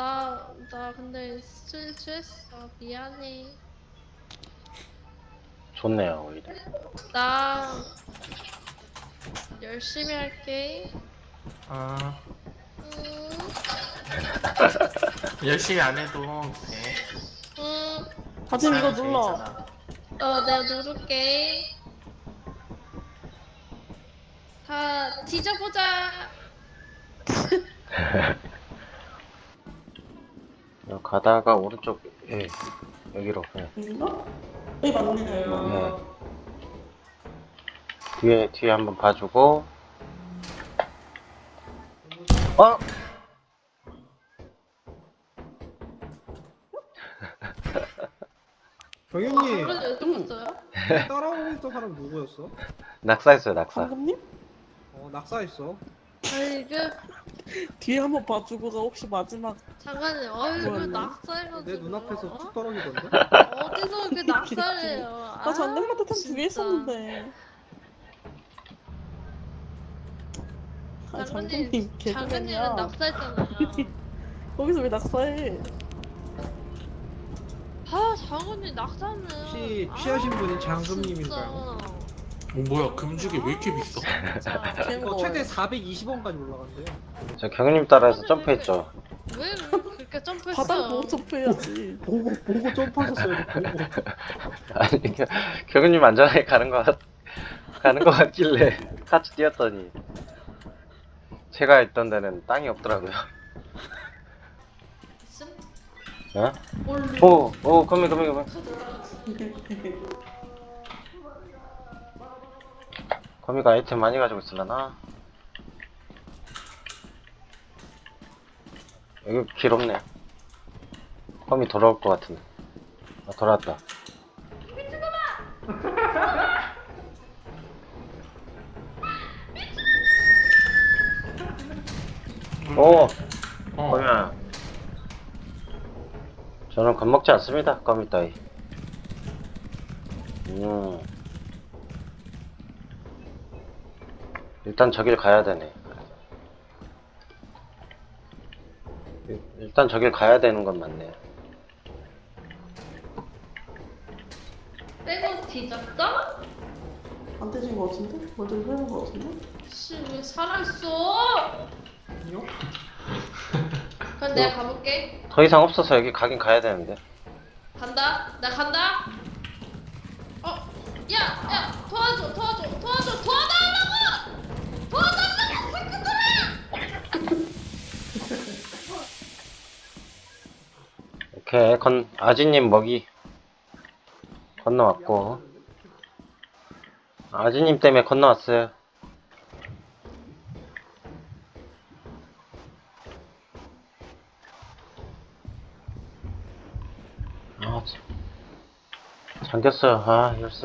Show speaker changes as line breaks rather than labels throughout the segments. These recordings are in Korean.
나 근데 실수했어. 미안해.
좋네요 오히려.
나 열심히 할게.
아,
응,
열심히 안 해도 돼.
응.
다짐 이거
사람이
눌러.
재밌잖아.
내가 누를게. 다 뒤져보자.
가다가 오른쪽 여기로.
여긴가? 여기 맞네.
뒤에 한번 봐주고. 어?
경영님
그래도 왜 떴어요?
따라오고 있던 사람 누구였어?
낙사했어요 낙사.
감독님?
낙사했어.
아니
뒤에 한번 봐주고가 혹시 마지막
잠깐만요. 어이구
뭐였나?
낙사해가지고.
내 눈앞에서 툭
어?
떨어지던데?
어디서 그 낙사해요?
나 장난마다 탑 2개
진짜.
있었는데. 아 장군님
장군님은
개그맨이야.
낙사했잖아요.
거기서 왜 낙사해?
장군님 낙사는.
혹시 피하신 분이 장금님인가요?
뭐야, 금죽이 왜 이렇게 비싸?
진짜.
이거 최대 420원까지 올라간대요.
저 경님 따라서 점프했죠.
왜 그렇게 점프했어요?
바닥 보고 점프해야지.
보고 점프하셨어요. 보고.
아니 경님 안전하게 가는 거 같길래 같이 뛰었더니 제가 있던 데는 땅이 없더라고요. 어? 오 거미. 거미가 아이템 많이 가지고 있으려나? 여기 길 없네. 거미 돌아올 것 같은데. 아 돌아왔다. 오! 거미야. 저는 겁먹지 않습니다. 거미 따위. 일단 저길 가야 되네. 일단 저길 가야 되는 건 맞네.
빼고 뒤졌어?
안 되진 거 같은데? 먼저 흐르는 거 같은데?
씨, 왜 살아있어?
아니요?
그럼 내가 가볼게.
더 이상 없어서 여기 가긴 가야 되는데.
간다. 나 간다. 야, 도와달라고! 도와달라고, 새끼들아!
오케이, 아지님 먹이 건너왔고. 아지님 때문에 건너왔어요. 아, 잠겼어요. 아, 이럴수.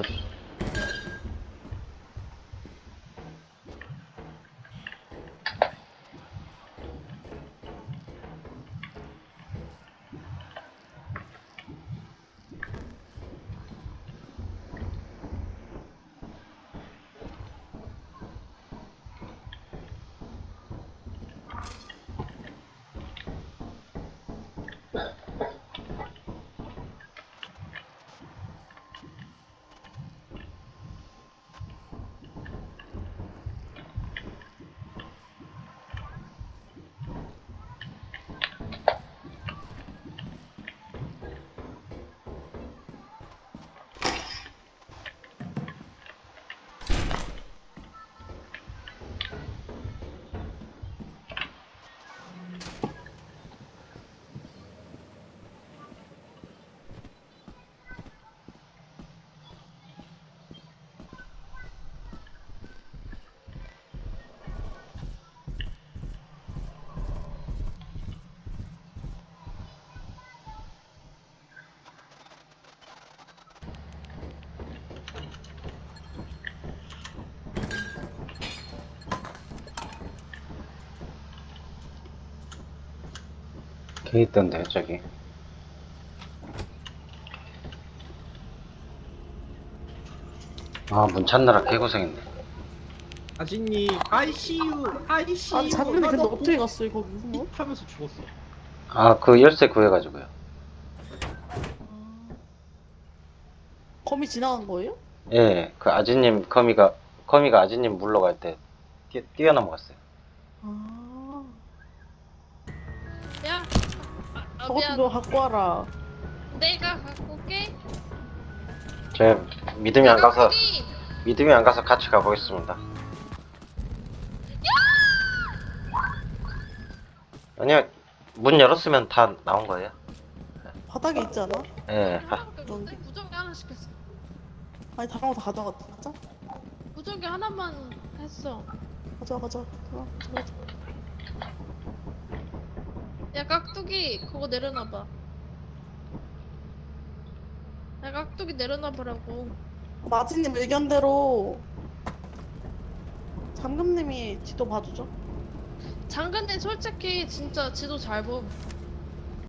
걔 있던데, 저기. 아, 문 찾느라 개고생했네.
아진님 ICU.
아니 장군님 근데 어떻게 갔어요 거기? 뭐?
하면서 죽었어.
아, 그 열쇠 구해가지고요.
거미 지나간 거예요?
예, 그 아지님, 거미가 아지님 물러갈 때 뛰어넘어갔어요.
아,
야. 아,
저것 좀
미안.
너 갖고 와라.
내가 갖고 올게.
제 믿음이 안 가서,
깍두기.
믿음이 안 가서 같이 가보겠습니다. 아니요, 문 열었으면 다 나온 거예요.
바닥에 있지 않아?
예,
하나밖에 없는데? 무전기 하나 시켰어.
아니 다른 거 다 가져갔다. 가자.
무전기 하나만 했어.
가자.
야 깍두기 그거 내려놔봐. 야 깍두기 내려놔보라고.
마지님 의견대로 잠금님이 지도 봐주죠.
장근님 솔직히 진짜 지도 잘 봄.